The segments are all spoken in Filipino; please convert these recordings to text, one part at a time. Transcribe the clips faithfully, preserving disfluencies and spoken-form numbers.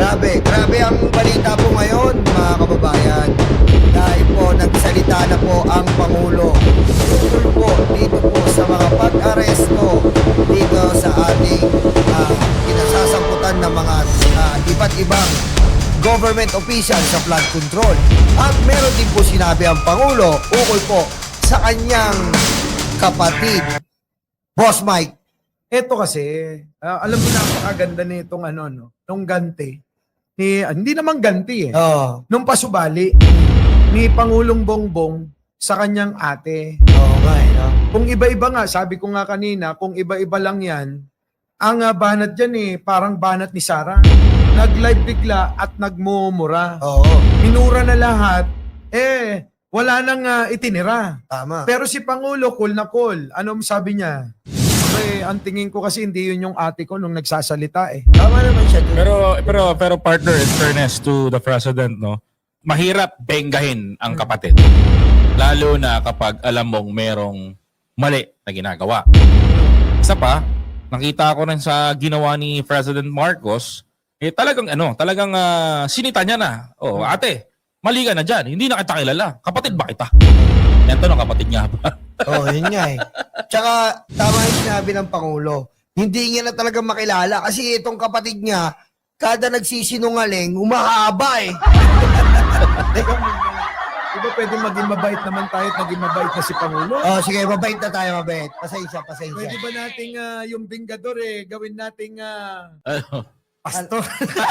Grabe, grabe ang balita po ngayon, mga kababayan. Dahil po, nagsalita na po ang Pangulo. Tungkol po dito po sa mga pag-aresto dito sa ating uh, kinasasamputan ng mga uh, iba't ibang government official sa flood control. At meron din po sinabi ang Pangulo ukol po sa kanyang kapatid, Boss Mike. Ito kasi, uh, alam mo, napakaganda nitong ano, no? Nung ganti. Ni, ah, hindi naman ganti eh. Oo. Nung pasubali ni Pangulong Bongbong sa kanyang ate. Oo nga eh, no? Kung iba-iba nga, sabi ko nga kanina, kung iba-iba lang yan, ang uh, banat dyan eh, parang banat ni Sarah. Nag-live bigla at nagmumura. Oo. Minura na lahat, eh, wala nang uh, itinira. Tama. Pero si Pangulo, cool na cool. Anong sabi niya? Eh, ang tingin ko kasi hindi yun yung ate ko nung nagsasalita eh. Tama naman siya. Dun. Pero pero pero partner, in fairness to the president, no, mahirap benggahin ang kapatid. Lalo na kapag alam mong merong mali na ginagawa. Isa pa, nakita ko rin sa ginawa ni President Marcos, eh talagang ano, talagang uh, sinita niya na. Oh, ate, mali ka na dyan. Hindi na kita kilala. Kapatid ba kita? Yan to ng kapatid niya ba? Oo, oh, yun nga eh. Tsaka, tama yung sinabi ng Pangulo. Hindi niya na talaga makilala kasi itong kapatid niya, kada nagsisinungaling, umahaba eh. Teka muna. Diba pwede maging mabait naman tayo at maging mabait na si Pangulo? Oh, sige, mabait na tayo, mabait. Pasensya, pasensya. Pwede ba nating uh, yung bingador eh, gawin nating uh, Ano? pastor?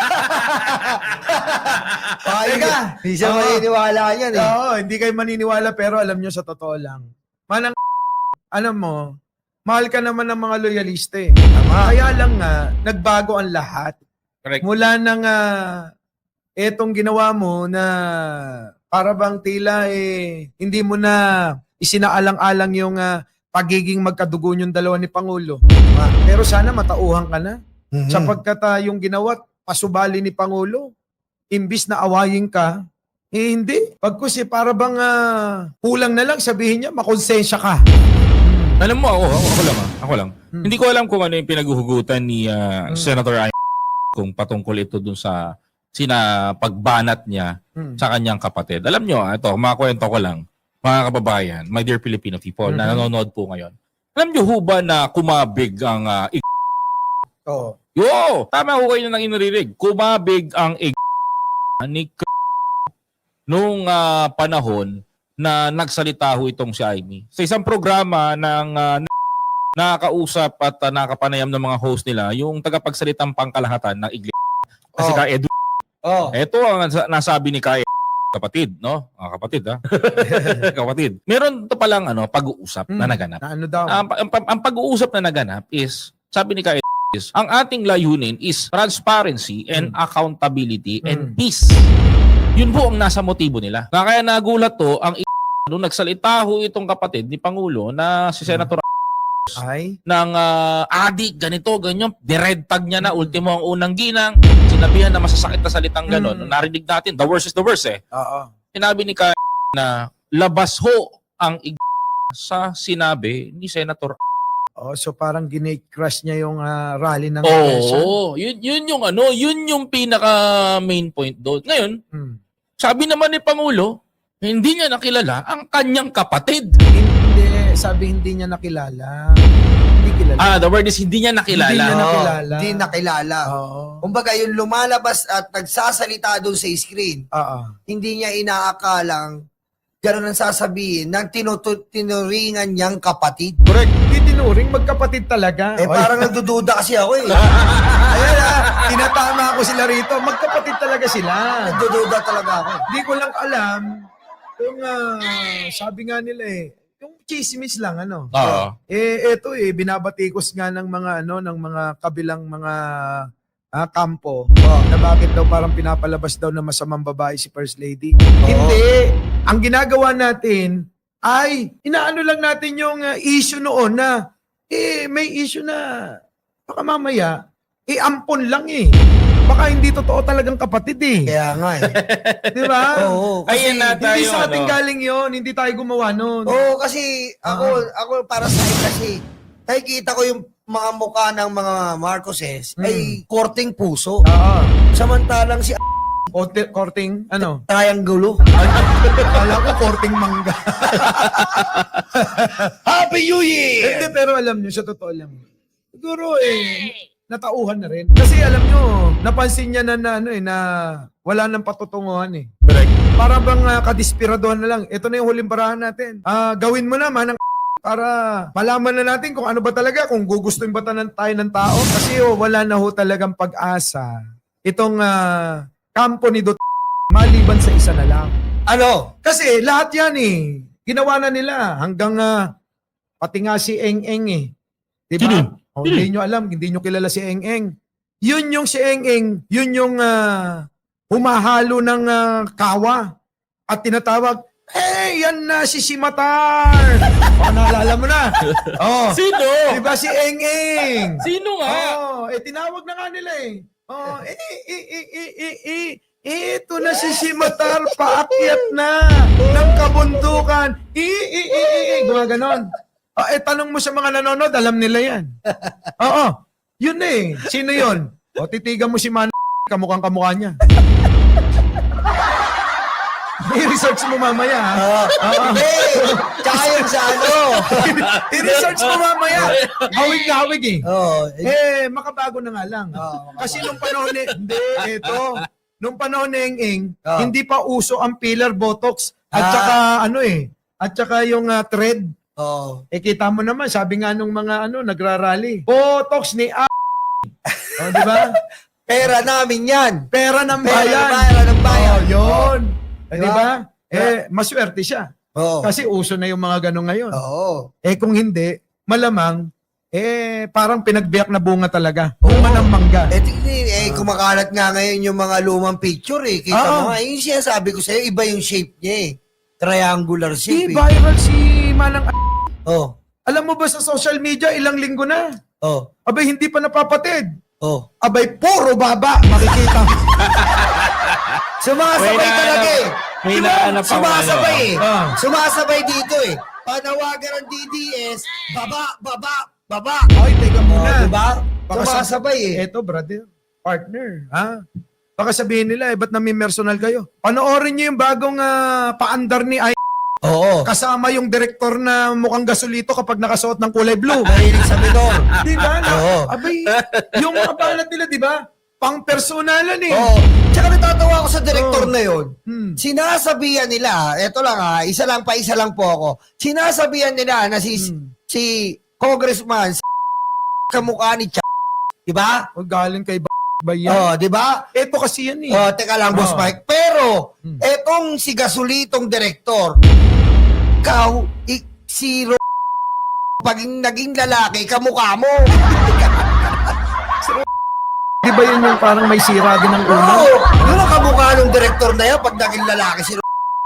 Ay ka, hindi siya Oo. maniniwala yan eh. Oo, hindi kayo maniniwala pero alam nyo sa totoo lang. Manang alam mo, mahal ka naman ng mga loyalista eh. Kaya lang nga, nagbago ang lahat. Correct. Mula nang uh, etong ginawa mo na para bang tila eh, hindi mo na isinaalang-alang yung uh, pagiging magkadugo yung dalawa ni Pangulo. Pero sana matauhan ka na. Mhm. Sapagkat uh, yung ginawa, pasubali ni Pangulo, imbis na awayin ka, eh hindi. Pagkus eh, para bang uh, kulang na lang sabihin niya, makonsensya ka. Alam mo, ako, ako, ako lang ah. Ako lang. Hmm. Hindi ko alam kung ano yung pinaghuhugutan ni uh, Senator Ay kung patungkol ito dun sa sina pagbanat niya Hmm. sa kanyang kapatid. Alam nyo, ah, ito, makakwento ko lang, mga kababayan, my dear Filipino people, na Mhm. nanonood po ngayon. Alam nyo ho ba na kumabig ang uh, ig- Oo. Yo! Tama ho kayo nang inaririg. Kumabig ang ig- ni K- nung ah, panahon na nagsalita ho itong si Aimee. Sa isang programa ng uh, nakakausap at uh, nakapanayam ng mga host nila, yung tagapagsalitang pangkalahatan ng iglesia. Kasi Oh. ka Edu. Oh. Ito ang nasa- nasabi ni Kay kapatid, no? Ah, kapatid, ha? kapatid. Meron to palang ano, pag-uusap na Hmm. naganap. Na ano daw? Ang, ang, ang pag-uusap na naganap is, sabi ni Kay is, ang ating layunin is transparency and Hmm. accountability and Hmm. peace. Yun po ang nasa motibo nila. Na kaya nagulat to, ang i- nung nagsalita ho itong kapatid ni Pangulo na si Senator Ay. ng uh, adik, ganito, ganyan, dired tag niya na, ultimo ang unang ginang, sinabihan na masasakit na salitang gano'n. Mm. Narinig natin, the worst is the worst eh. Oo. Sinabi ni Kay na labas ho ang ig- sa sinabi ni Senator. Oh, so parang gine-crush niya yung ah, rally ng Oo, Quezon. oh, yun, yun yung ano, yun yung pinaka main point doon. Ngayon, Hmm. sabi naman ni Pangulo, hindi niya nakilala ang kanyang kapatid. Hindi, sabi hindi niya nakilala. Hindi kilala. Ah, the word is hindi niya nakilala. Hindi niya Oo, nakilala. Hindi nakilala. Oo. Kumbaga, yung lumalabas at nagsasalita doon sa screen, Oo. hindi niya inaakalang gano'n ang sasabihin ng tinutu- tinuringan niyang kapatid. Correct. Hindi tinuring, magkapatid talaga. Eh, Oy. parang nagdududa kasi ako eh. Ayan ah, tinatama ko sila rito. Magkapatid talaga sila. Nagdududa talaga ako. Hindi ko lang alam kung ah, sabi nga nila eh, yung chismis lang ano. Oo. Eh eto eh binabatikos nga ng mga ano ng mga kabilang mga ah, kampo na bakit daw parang pinapalabas daw na masamang babae si First Lady. Hindi. Ang ginagawa natin ay inaano lang natin yung ah, issue noon na eh may issue na baka mamaya eh ampon lang eh. Baka hindi totoo talagang kapatid eh. Kaya nga eh. Di ba? Oo, kasi, Ayan na Hindi tayo, sa ating ano. galing yon, hindi tayo gumawa nun. oo, kasi ako, ako para sa akin kasi, nakikita ko yung mga mukha ng mga Marcoses Mm. ay korting puso. Oo. Samantalang si Korte, korting, ano? triangulo. Akala ko korting mangga. Happy New Year! Hindi, pero alam nyo, sa totoo lang. Siguro eh, natauhan na rin. Kasi alam nyo, napansin niya na, na, ano, eh, na wala nang patutunguhan eh. Correct. Para bang uh, kadispiradohan na lang. Ito na yung huling barahan natin. Ah, gawin mo naman ang para malaman na natin kung ano ba talaga, kung gugustuhin ba tayo ng, tayo ng tao. Kasi oh, wala na ho talagang pag-asa. Itong ah, kampo ni Duterte, maliban sa isa na lang. Ano? Kasi lahat yan eh. Ginawa na nila hanggang ah, pati nga si Eng Eng eh. Diba? Sino? Oh, hindi nyo alam, hindi nyo kilala si Eng Eng. Yun yung si Eng Eng, yun yung ah, humahalo ng ah, kawa at tinatawag, hey, yan na si Simatar! O, naalala mo na. Oh, Sino? diba si Eng Eng? Sino nga? Oh, eh tinawag na nga nila eh. Oh, eh, eh, eh, eh, eh, eh, eh, ito na si Simatar, paakyat na ng kabundukan. Eh, eh, eh, eh, eh, gumaganon. Oh, eh, tanong mo sa mga nanonood, alam nila yan. Oo, yun eh. Sino yun? O, titigan mo si Man, kamukhang kamukha niya. I-research mo mamaya, ha? Oo. Hindi! Tsaka yung sa ano. I-research mo mamaya. Hawig na hawig eh. Oo. Eh, makabago na nga lang. Oo, makabago. Kasi nung panahon ni... Hindi, eto. Nung panahon ni Eng Eng, Oo. hindi pa uso ang filler botox. At Ah. saka ano eh, at saka yung ah, thread. Oo. Eh kita mo naman, sabi nga nung mga ano, nagrarally. Botox ni A. O, di ba? Pera namin yan. Pera ng Pera bayan. ng bayan, ng bayan. Oh, yun. Eh, Diba? di ba? Eh, maswerte siya. Oo. Kasi uso na yung mga ganun ngayon. Oo. Eh kung hindi, malamang, eh parang pinagbiyak na bunga talaga. Bunga ng mangga. Eh, tignan, eh, kumakalat nga ngayon yung mga lumang picture eh. Kita Ah. mo nga, yung sinasabi ko sa'yo, iba yung shape niya eh. Triangular Di shape eh. viral si Manang A. Oh. Alam mo ba sa social media, ilang linggo na? Oh. Abay, hindi pa napapatid. Oh. Abay, puro baba. Makikita. Sumasabay May na- talaga eh. may Diba? nahanap ako, Sumasabay eh. ano. Ah. Sumasabay dito eh. Panawagan ng D D S, baba, baba, baba. Ay, teka Oh, muna. diba? Baka Sumasabay eh. Eto, brother. Partner. Ha? Baka sabihin nila, eh, ba't nami-personal kayo? Panoorin niyo yung bagong ah, paandar ni Ay. Oo. Kasama yung direktor na mukhang gasolito kapag nakasuot ng kulay blue. Mahilig sa minor. Di ba? Na, Oo. Abay, yung mga balat nila, di ba? Pang-personalan eh. Oo. Tsaka natatawa ako sa direktor Oo. na yun. Hmm. Sinasabihan nila, eto lang ha, isa lang pa, isa lang po ako. Sinasabihan nila na si Hmm. si Congressman s- kamukha ni Ch**, di ba? O galing kay ba ba yan? Oh, di ba? Eto kasi yan eh. Oh, teka lang, Boss Oo. Mike. Pero, Hmm. etong si Gasolitong direktor, ikaw, i- si Ro- pag naging lalaki, kamukha mo. Di ba yun yung parang may sira din ng ulo? Oo, yun ang kamukha ng direktor na yan pag naging lalaki si Ro-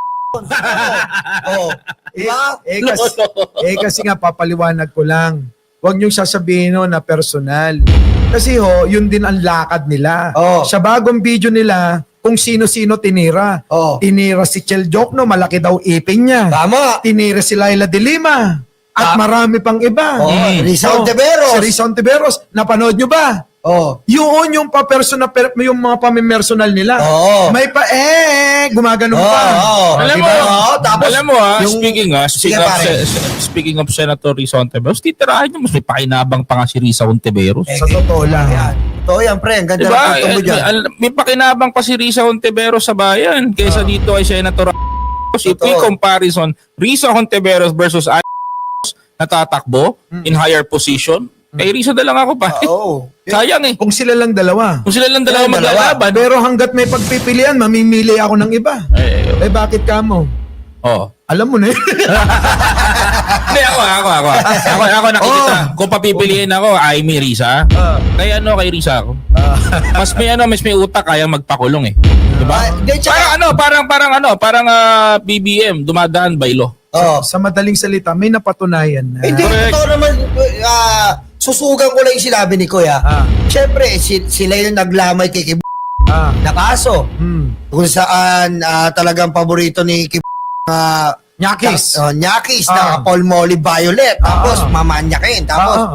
Oh, di ba? Eh kasi, eh kasi nga papaliwanag ko lang. Huwag niyong sasabihin no, na personal. Kasi ho, yun din ang lakad nila. Oo. Sa bagong video nila, kung sino-sino tinira. Oh, Tinira si Chel Jokno, malaki daw ipin niya. tama. Tinira si Laila de Lima. At Ah. marami pang iba. Oh, Mm. Rizal Oh, Teveros. Si Rizal Teveros. Napanood nyo ba? Oh, Yun yung pa-personal, per- yung mga pamimersonal nila. Oo. May pa, eh, gumaganon Oo, pa. oo. Alam Diba? mo, Oo, tapos alam mo ha, yung- speaking ha, speaking Sige, of, pare. se- speaking of Senator Risa Ontiveros, titirahin niyo, mas may pakinabang pa nga si Risa Ontiveros. Eh, Sa totoo lang. Yan. Totoo yan, pre. Ang ganda Diba? ng punto mo Eh, dyan. al- May pakinabang pa si Risa Ontiveros sa bayan kaysa dito kay Senator Ramos. If we Totoo. comparison, Risa Ontiveros versus Ay natatakbo Mm. in higher position, kay Risa na lang ako pa. Oo. Sayang eh. Kung sila lang dalawa. Kung sila lang dalawa Sila dalawa. maglalaban. Pero hanggat may pagpipilian, mamimili ako ng iba. Eh, Eh bakit ka mo? oh. Alam mo na yun. Hindi, ako, ako, ako. Ako, ako nakikita. Kung papipiliin ako, ay may Risa. Kaya ano, kay Risa ako. Mas may ano, mas may utak, kaya magpakulong eh. Diba? Ah, Hindi, Parang tsaka, ano, parang, parang ano, parang ah, B B M, dumadaan by law. oh. Sa madaling salita, may napatunayan na. Hindi, Correct. totoo naman, ah, susugan ko lang yung sinabi ni Kuya. Ah, Siyempre, si, sila yung naglamay kay Kib ah, na kaso. hmm. Kung saan ah, talagang paborito ni Kib na Nyakis. uh, Nyakis Ah. na Paul Molly Violet. Tapos, Ah. mamanyakin. Tapos, Ah, ah.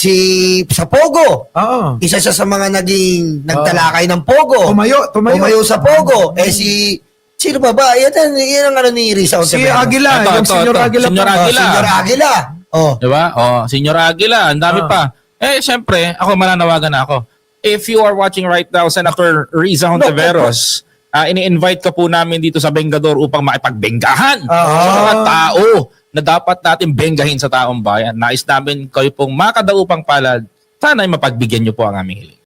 si sa Pogo. Oo. Isa siya sa mga naging nagtalakay ng Pogo. Tumayo, tumayo. Tumayo sa Pogo. Eh si sino ba ba? Yan, yan ang ano ni Risa Si Ontiveros. Aguila, Ito, yung ito, Senyor ito. Aguila. Senyor pa. Oh, Aguila. Senyor Aguila. Oh. Diba? Oh, Senyor Aguila, ang dami Ah. pa. Eh, syempre, ako mananawagan na ako. If you are watching right now, Senator Riza Hontiveros, ah, ini-invite ka po namin dito sa Bengador upang makipagbenggahan Ah. sa mga tao na dapat natin benggahin sa taong bayan. Nais namin kayo pong makadaupang palad. Sana'y mapagbigyan niyo po ang aming hiling.